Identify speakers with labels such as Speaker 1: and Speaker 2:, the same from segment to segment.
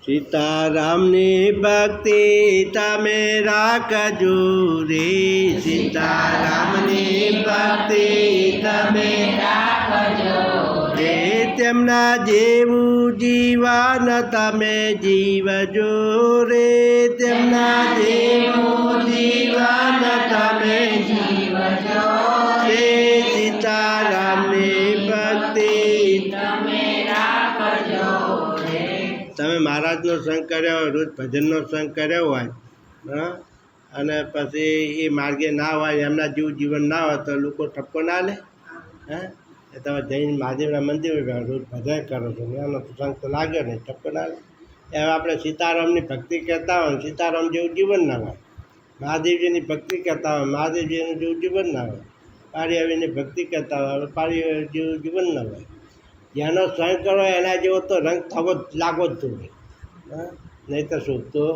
Speaker 1: सीतारामनी भक्ति तमे राखजो रे। सीतारामनी भक्ति तमे राखजो रे। તેમના જેવું જીવન તમે જીવજો રે। તેમના જેવું જીવન તમે જીવજો રે। सीतारामनी भक्ति तमे राखजो रे। તમે મહારાજનો સંગ કર્યો હોય, રોજ ભજનનો સંગ કર્યો હોય, અને પછી એ માર્ગે ના હોય, એમના જેવું જીવન ના હોય તો લોકો ઠપકો ના લે? એ તમે જૈન મહાદેવના મંદિર રોજ ભજન કરો છો ને એનો સંગ તો લાગ્યો નહીં, ઠપકો ના લે? હવે આપણે સીતારામની ભક્તિ કરતા હોય, સીતારામ જેવું જીવન ના હોય। મહાદેવજીની ભક્તિ કરતા હોય, મહાદેવજીનું જેવું જીવન ના હોય। પારિયાવીની ભક્તિ કરતા હોય, પારિયા જેવું જીવન ના હોય। જેનો સંગ કરો એના જેવો તો રંગ થવો જ લાગવો જ જોઈએ, નહીં તો શું તો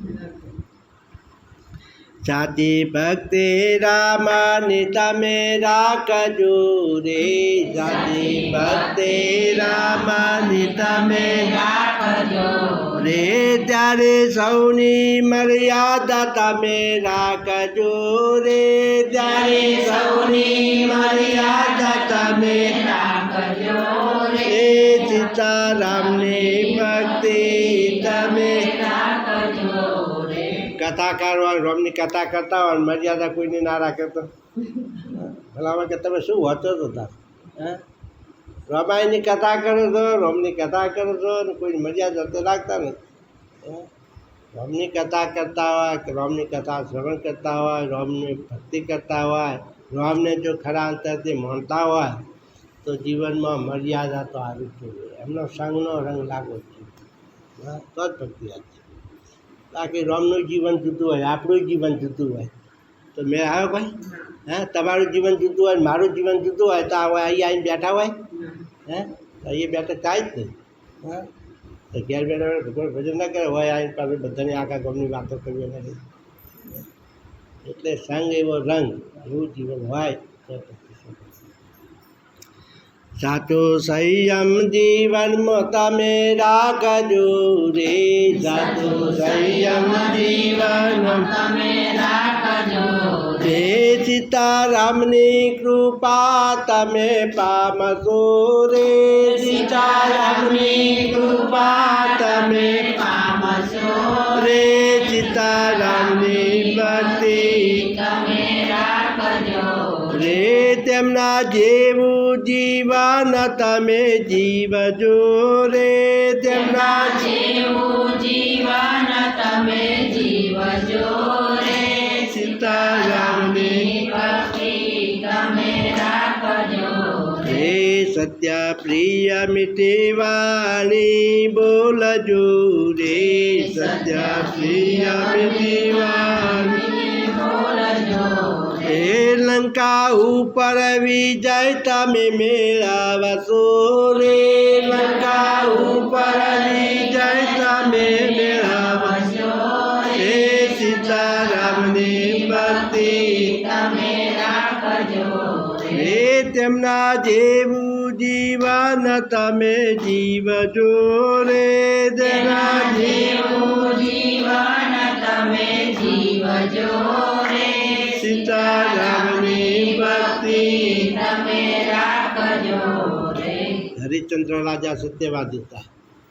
Speaker 1: સાચી ભક્તિ રામાની તમે રાખજો રે। સાચી ભક્તિ રામાની તમે રાખજો રે। ત્યારે સૌની મર્યાદા તમે રાખજો રે। ત્યારે સૌની મર્યાદા તમે રાખજો રે। सीतारामनी भक्ति तमे राखजो रे। कथाकार હોય, રોમની કથા કરતા હોય, મર્યાદા કોઈની ના રાખે તો ભલામાં કે તમે શું વાંચો છો તાર? રામાયણની કથા કરો છો, રોમની કથા કરો છો, અને કોઈ મર્યાદા તો રાખતા નથી। રોમની કથા કરતા હોય કે રોમની કથા શ્રવણ કરતા હોય, રોમની ભક્તિ કરતા હોય, રોમને જો ખરા અંતરથી માનતા હોય તો જીવનમાં મર્યાદા તો આવી જ જોઈએ, એમનો સંગનો રંગ લાગવો જ જોઈએ, તો જ ભક્તિ આપશે। બાકી રોમનું જીવન જુદું હોય, આપણું જીવન જુદું હોય તો મેં આવ્યો ભાઈ? તમારું જીવન જુદું હોય, મારું જીવન જુદું હોય તો અહીં આવીને બેઠા હોય? તો એ બેઠા કાંઈ જ નહીં। તો ઘેર બેઠા ભગવાન ભજન ના કરે હોય, આવીને પાસે બધાની આખા ગામની વાતો કરવી નથી। એટલે સંગ એવો રંગ, એવું જીવન હોય તો साचो संयम जीवन में तमे राखजो रे। साचो संयम जीवन में तमे राखजो रे। सीतारामनी कृपा तमे पामशो रे। सीतारामनी कृपा तमे पामशो रे। सीतारामनी भक्ति तमे राखजो रे। તેમના જેવું જીવન તમે જીવજો રે। તેમના જેવું જીવન તમે જીવજો રે। सीतारामनी भक्ति तमे राखजो रे। सत्य प्रिय मीठी वाणी बोलजो रे। सत्य प्रिय मीठी वाणी बोलजो रे। लंका ऊपर विजय तमे मेळावशो रे। लंका ऊपर विजय तमे मेळावशो रे। सीतारामनी भक्ति तमे राखजो रे। તેમના જેવું જીવન તમે જીવજો રે। તેમના જેવું જીવન તમે જીવજો રે। सीतारामनी भक्ति तमे राखजो रे। हरिश्चंद्र राजा सत्यवादी था।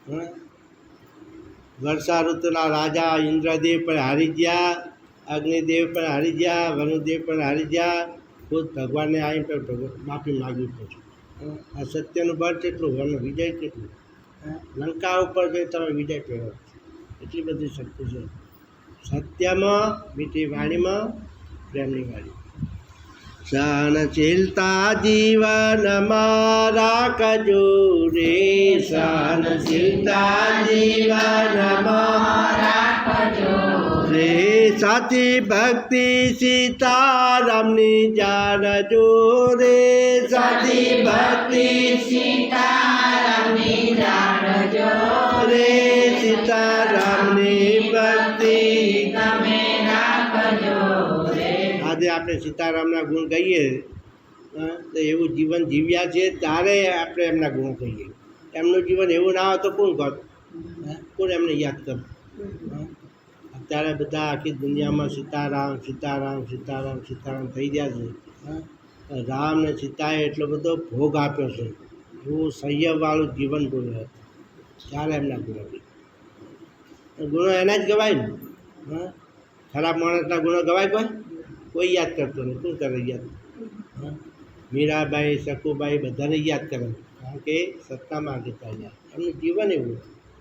Speaker 1: वर्षा ऋतुना राजा इंद्रदेव पर हारी गया, अग्निदेव पर हारी गया, वरुदेव पर हारी गया। खुद भगवान ने आई पर माफी मांगी पड़ी। आ सत्यनु बळ કેટલું અને વિજય કેટલું? લંકા ઉપર જઈ તમે વિજય કર્યો, એટલી બધી શક્તિ છે સત્યમાં, મીઠી વાણીમાં, પ્રેમની વાણી। સહનશીલતા જીવનમાં રાખજો રે। સહનશીલતા જીવનમાં રાખજો રે। સાચી ભક્તિ સીતારામની જાણજો રે। સાચી ભક્તિ સીતારામની જાણજો રે। સીતારામની ભક્તિ તમે રાખજો રે। આજે આપણે સીતારામના ગુણ ગાઈએ તો એવું જીવન જીવ્યા છે ત્યારે આપણે એમના ગુણ કહીએ। એમનું જીવન એવું ના હોય તો કોણ કહે? કોણ એમને યાદ કરે? અત્યારે બધા આખી દુનિયામાં સીતારામ સીતારામ સીતારામ સીતારામ થઈ ગયા છે. રામ ને સીતાએ એટલો બધો ભોગ આપ્યો છે, એવું સંયમવાળું જીવન બોલ્યું ત્યારે એમના ગુણો. ગુણો એના જ ગવાય ને. ખરાબ માણસના ગુણો ગવાય કોઈ યાદ કરતો નહીં. શું કરે યાદ? મીરાબાઈ શકુબાઈ બધાને યાદ કરે, કારણ કે સત્તામાં આગળ ચાલ્યા, એમનું જીવન એવું.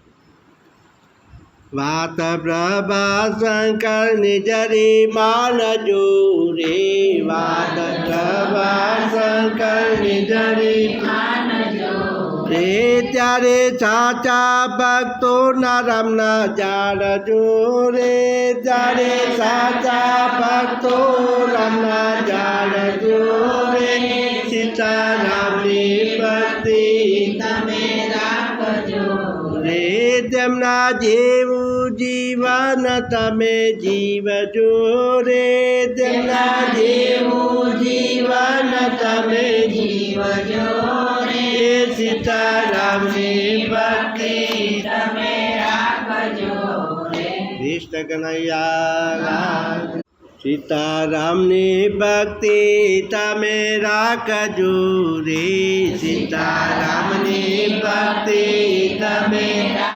Speaker 1: વાત પ્રભા શંકર નિજરી માનજો રે, વાત પ્રભા શંકર નિજરી રે, ત્યારે સાચા ભક્તો ના રામના જાણજો રે, ત્યારે સાચા ભક્તો રામના જાણજો રે, સીતારામની ભક્તિ તમે રાખજો રે, તેમના જેવું જીવન તમે જીવજો રે, તેમના જેવું જીવન તમે જીવજો રે, સીતારામની ભક્તિ તમે રાખજો રે. કૃષ્ણ કનૈયા સીતારામની ભક્તિ તમે રાખજો રે, સીતારામની ભક્તિ તમે